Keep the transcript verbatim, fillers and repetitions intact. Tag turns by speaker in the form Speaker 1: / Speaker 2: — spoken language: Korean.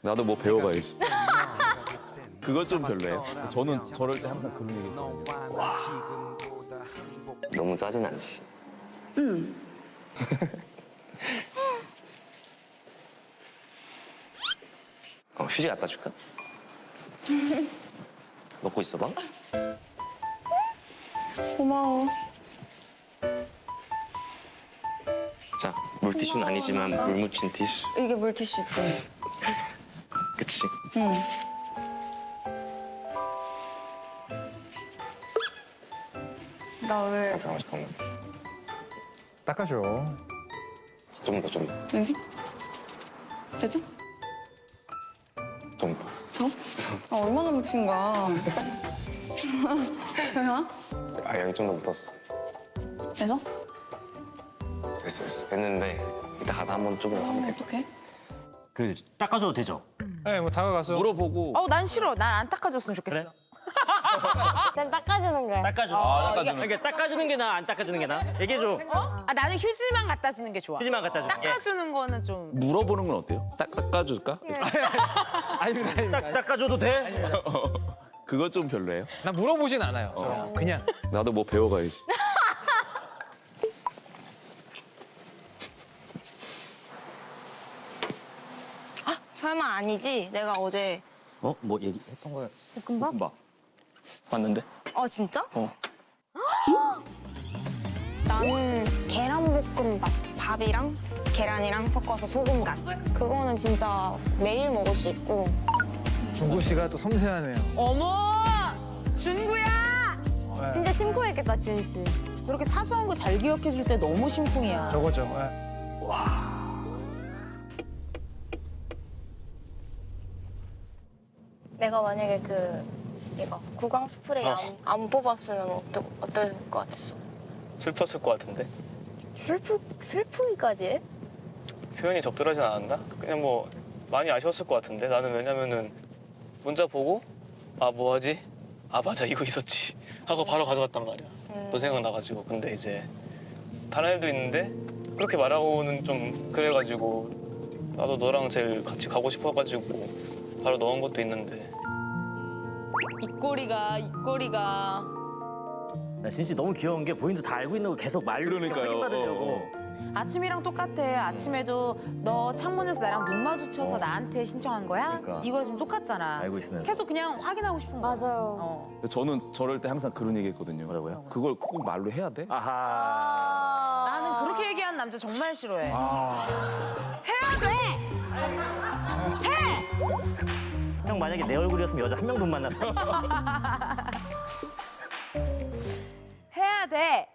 Speaker 1: 나도 뭐 배워가야지. 그것 좀 별로예요. 저는 저럴 때 항상 그런 얘기 했거든요.
Speaker 2: 너무 짜증 나지?
Speaker 3: 응.
Speaker 2: 어, 휴지 갖다 줄까? 먹고 있어봐.
Speaker 3: 고마워.
Speaker 2: 자, 물티슈는 아니지만 물 묻힌 티슈.
Speaker 3: 이게 물티슈지?
Speaker 2: 그치?
Speaker 3: 응. 나 왜?
Speaker 2: 잠깐만, 잠깐만.
Speaker 4: 닦아줘.
Speaker 2: 좀 더, 좀 더.
Speaker 3: 여기? 됐죠?
Speaker 2: 좀 더.
Speaker 3: 더? 아, 얼마나 묻힌 거야? 왜요?
Speaker 2: 아, 여기 좀 더 묻었어.
Speaker 3: 그래서?
Speaker 2: 됐어, 됐어. 됐는데 이따 가서 한번 조금 하면 돼.
Speaker 3: 어떡해?
Speaker 5: 그래 닦아줘도 되죠?
Speaker 4: 네, 뭐 다가가서.
Speaker 1: 물어보고
Speaker 6: 어, 난 싫어. 난 안 닦아줬으면 좋겠어.
Speaker 5: 그래?
Speaker 7: 난 닦아주는 거야.
Speaker 5: 닦아줘.
Speaker 1: 아, 닦아주는
Speaker 5: 그러니까 닦아주는 게 나아, 안 닦아주는 게 나아? 얘기해줘.
Speaker 6: 아, 나는 휴지만 갖다 주는 게 좋아.
Speaker 5: 휴지만 갖다 줄게.
Speaker 6: 닦아주는 거는 좀.
Speaker 1: 물어보는 건 어때요? 딱 닦아줄까?
Speaker 4: 아닙니다, 아닙니다.
Speaker 5: 딱 닦아줘도 돼?
Speaker 1: 그것 좀 별로예요.
Speaker 4: 나 물어보진 않아요. 저는. 그냥.
Speaker 1: 나도 뭐 배워가야지.
Speaker 3: 설마 아니지? 내가 어제.
Speaker 5: 어? 뭐 얘기했던 거야?
Speaker 7: 볶음밥?
Speaker 2: 왔는데?
Speaker 3: 어, 진짜?
Speaker 2: 어.
Speaker 3: 나는 계란볶음밥. 밥이랑 계란이랑 섞어서 소금간. 그거는 진짜 매일 먹을 수 있고.
Speaker 4: 중구 씨가 또 섬세하네요.
Speaker 6: 어머! 준구야!
Speaker 7: 진짜 심쿵했겠다, 지은 씨.
Speaker 6: 저렇게 사소한 거 잘 기억해줄 때 너무 심쿵이야.
Speaker 4: 저거죠. 네.
Speaker 3: 내가 만약에 그 이거 구강 스프레이 안, 안 뽑았으면 어떠, 어떨 것 같았어?
Speaker 8: 슬펐을 것 같은데
Speaker 3: 슬프 슬프기까지 해?
Speaker 8: 표현이 적절하진 않았나? 그냥 뭐 많이 아쉬웠을 것 같은데 나는 왜냐면은 문자 보고 아 뭐하지? 아 맞아 이거 있었지 하고 바로 가져갔단 말이야.
Speaker 3: 음.
Speaker 8: 너 생각나가지고 근데 이제 다른 애도 있는데 그렇게 말하고는 좀 그래가지고 나도 너랑 제일 같이 가고 싶어가지고 바로 넣은 것도 있는데
Speaker 6: 입꼬리가, 입꼬리가.
Speaker 5: 나 진짜 너무 귀여운 게 본인도 다 알고 있는 거 계속 말로 이렇게
Speaker 1: 그러니까요.
Speaker 5: 확인받으려고.
Speaker 6: 아침이랑 똑같아. 아침에도 너 창문에서 나랑 눈 마주쳐서
Speaker 5: 어.
Speaker 6: 나한테 신청한 거야?
Speaker 5: 그러니까.
Speaker 6: 이거랑 좀 똑같잖아.
Speaker 5: 알고 있으면서.
Speaker 6: 계속 그냥 확인하고 싶은 거야.
Speaker 7: 맞아요.
Speaker 6: 어.
Speaker 1: 저는 저럴 때 항상 그런 얘기 했거든요.
Speaker 5: 뭐라고요?
Speaker 1: 그걸 꼭 말로 해야 돼?
Speaker 5: 아하.
Speaker 6: 나는 그렇게 얘기하는 남자 정말 싫어해. 해야 돼!
Speaker 5: 형 만약에 내 얼굴이었으면 여자 한 명도 못 만났어.
Speaker 6: 해야 돼!